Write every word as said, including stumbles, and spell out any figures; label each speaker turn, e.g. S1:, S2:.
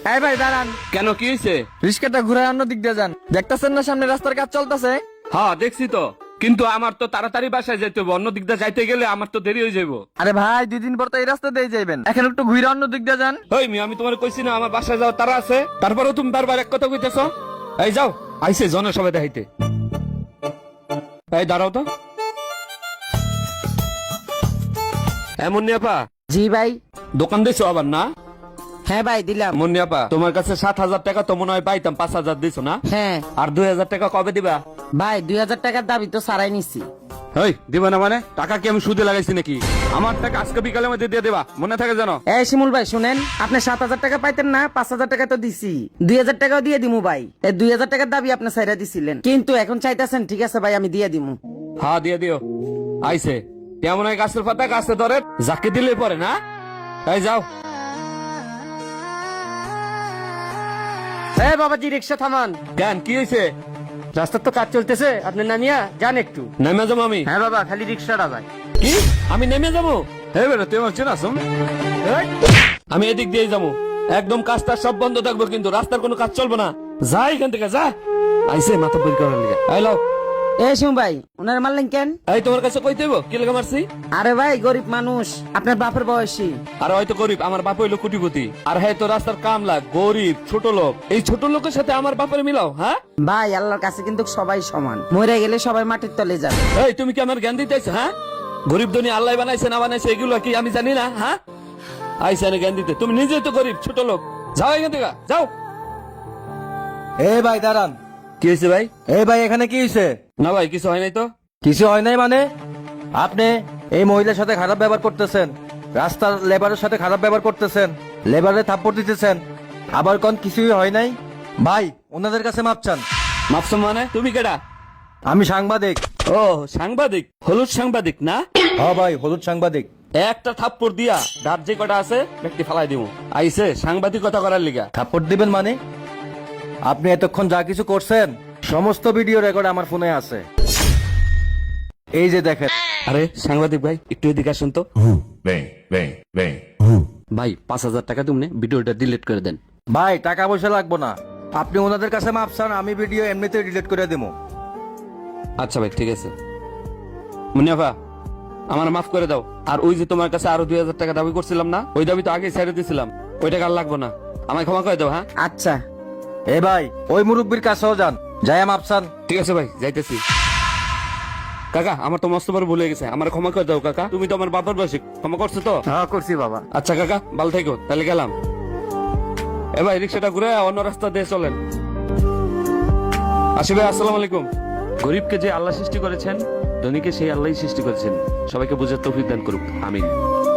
S1: এই ভাই দাঁড়ান,
S2: কেন কি হয়েছে?
S1: রিস্কাটা ঘুরায় অন্য দিক দিয়ে যান। দেখতেছেন না সামনে রাস্তার কাজ চলতেছে?
S2: হ্যাঁ দেখছি তো, কিন্তু আমার তো তাড়াতাড়ি বাসায় যেতে হবে, অন্য দিক দিয়ে যাইতে গেলে আমার তো দেরি হয়ে যাবো।
S1: আরে ভাই দুই দিন পর তো এই রাস্তা দিয়ে যাইবেন, এখন একটু ঘুরে অন্য দিক দিয়ে যান।
S2: ওই মি আমি তোমার কইছি না আমার বাসায় যাও তারা আছে, তারপরেও তুমি বারবার এক কথা কইতেছ। এই যাও, আইসে জনের সবাই দেখাইতে। এই দাঁড়াও তো। এমন নিয়াপা
S3: জি ভাই।
S2: দোকান দিছো আবার না?
S3: হ্যাঁ ভাই দিলাম।
S2: মুন্নিয়াপা তোমার কাছে সাত হাজার টাকা তো মনে হয় পাইতাম, পাঁচ হাজার দিছো না?
S3: হ্যাঁ
S2: আর দুই হাজার টাকা কবে দিবা?
S3: ভাই দুই হাজার টাকার দাবি তো সারাই নিছি।
S2: ওই দিবা না মানে? টাকা কি আমি সুদে লাগাইছি নাকি? আমার টাকা আজকে বিকালের মধ্যে দিয়ে দেবা, মনে থাকে জানো?
S3: এই শিমুল ভাই শুনেন, আপনি সাত হাজার টাকা পাইতেন না, পাঁচ হাজার টাকা তো দিছি, দুই হাজার টাকাও দিয়ে দিমু ভাই। এই দুই হাজার টাকার দাবি আপনি সাইরা দিছিলেন, কিন্তু এখন চাইতেছেন, ঠিক আছে ভাই আমি দিয়ে দিমু।
S2: হ্যাঁ দিয়ে দিও। আইসে কেমন হয় গাছের পাতা গাছে ধরে, যাকে দিলে পরে না। এই যাও।
S4: এই বাবাজি রিক্সা থামান,
S2: কেন কি হয়েছে?
S4: রাস্তার তো কাজ চলতেছে, আপনি নামিয়া যান একটু।
S2: নেমে যাবো আমি?
S4: হ্যাঁ বাবা, খালি রিক্সাটা ভাই।
S2: কি আমি নেমে যাবো? হ্যাঁ বেটা তুই আমার চেনাস? আমি এদিক দিয়ে যাবো, একদম কাজটা সব বন্ধ থাকবো, কিন্তু রাস্তার কোনো কাজ চলবে না। যা এখান থেকে যা। আইসে মাথা বই করার লিগে। এই লাও।
S3: এই শিমুল ভাই ওনার মারলেন কেন?
S2: এই তোমার কাছে কই দেবো কি লেগে মারছি?
S3: আরে ভাই গরিব মানুষ, আপনার বাপের বয়সী।
S2: আর হয়তো গরিব, আমার বাপ হইলো কোটিপতি, আর হ্যাঁ তো রাস্তার কামলা, গরিব ছোট লোক। এই ছোট লোকের সাথে আমার বাপের মিলাও? হ্যাঁ
S3: ভাই আল্লাহর কাছে কিন্তু সবাই সমান, মরে গেলে সবাই মাটির তলে যাবে।
S2: এই তুমি কি আমার জ্ঞান দিতেছ? হ্যাঁ গরিব ধনী আল্লাহ বানাইছে না বানাইছে এগুলো কি আমি জানি না? হ্যাঁ আইসা জ্ঞান দিতে, তুমি নিজেই তো গরিব ছোট লোক। যাও এখান থেকে যাও।
S5: এ ভাই দাঁড়ান।
S2: কি হয়েছে ভাই?
S5: এই ভাই এখানে কি হয়েছে?
S2: না ভাই কিছু হয় নাই তো।
S5: কিছু হয় নাই মানে? আপনি এই মহিলার সাথে খারাপ ব্যবহার করতেছেন, রাস্তার লেবারের সাথে খারাপ ব্যবহার করতেছেন, লেবারে থাপ্পড় দিতেছেন, আবার কোন কিছুই হয় নাই। ভাই ওনাদের কাছে মাপ চান।
S2: মাপসম মানে? তুমি কেডা?
S5: আমি সাংবাদিক।
S2: ও সাংবাদিক, হলুদ সাংবাদিক না?
S5: হ্যাঁ ভাই হলুদ সাংবাদিক।
S2: একটা থাপ্পড় দিয়া ডাব যে কটা আছে ব্যক্তি ফালাই দিব। আইসে সাংবাদিকতা করার লিগা।
S5: থাপ্পড় দিবেন মানে? আপনি এতক্ষণ যা কিছু করছেন সমস্ত ভিডিও রেকর্ড আমার ফোনে আছে, এই যে দেখেন।
S2: আরে সাংবাদিক ভাই একটু এদিকে আসুন তো।
S6: Bem, bem, bem.
S2: ভাই পাঁচ হাজার টাকা তুমি ভিডিওটা ডিলিট করে দেন।
S5: ভাই টাকা পয়সা লাগবো না, আপনি ওনাদের কাছে মাপ চান, আমি ভিডিও এমনিতে ডিলিট করে দেবো।
S2: আচ্ছা ভাই ঠিক আছে। মুনিয়াফা আমার মাফ করে দাও। আর ওই যে তোমার কাছে আরো দুই হাজার টাকা দাবি করছিলাম না, ওই দাবি তো আগে ছেড়ে দিয়েছিলাম, ওই টাকা আর লাগবো না, আমায় ক্ষমা করে দাও। হ্যাঁ
S3: আচ্ছা
S5: এ ভাই ওই মুরব্বীর কাছেও যান, যাই মাপ চান।
S2: ঠিক আছে ভাই যাইতেছি। কাকা আমার তো মস্ত বড় ভুলে গেছে, আমার ক্ষমা করে দাও কাকা। তুমি তো আমার বাবার বয়সী, ক্ষমা করছো তো?
S4: হ্যাঁ করছি বাবা।
S2: আচ্ছা কাকা ভালো থেকো, তাহলে গেলাম। এ ভাই রিক্সাটা ঘুরে অন্য রাস্তা দিয়ে চলেন। আসি ভাই আসসালামু আলাইকুম। গরিবকে যে আল্লাহ সৃষ্টি করেছেন, ধনীকে সেই আল্লাহই সৃষ্টি করেছেন। সবাইকে বুঝার তৌফিক দান করুক, আমিন।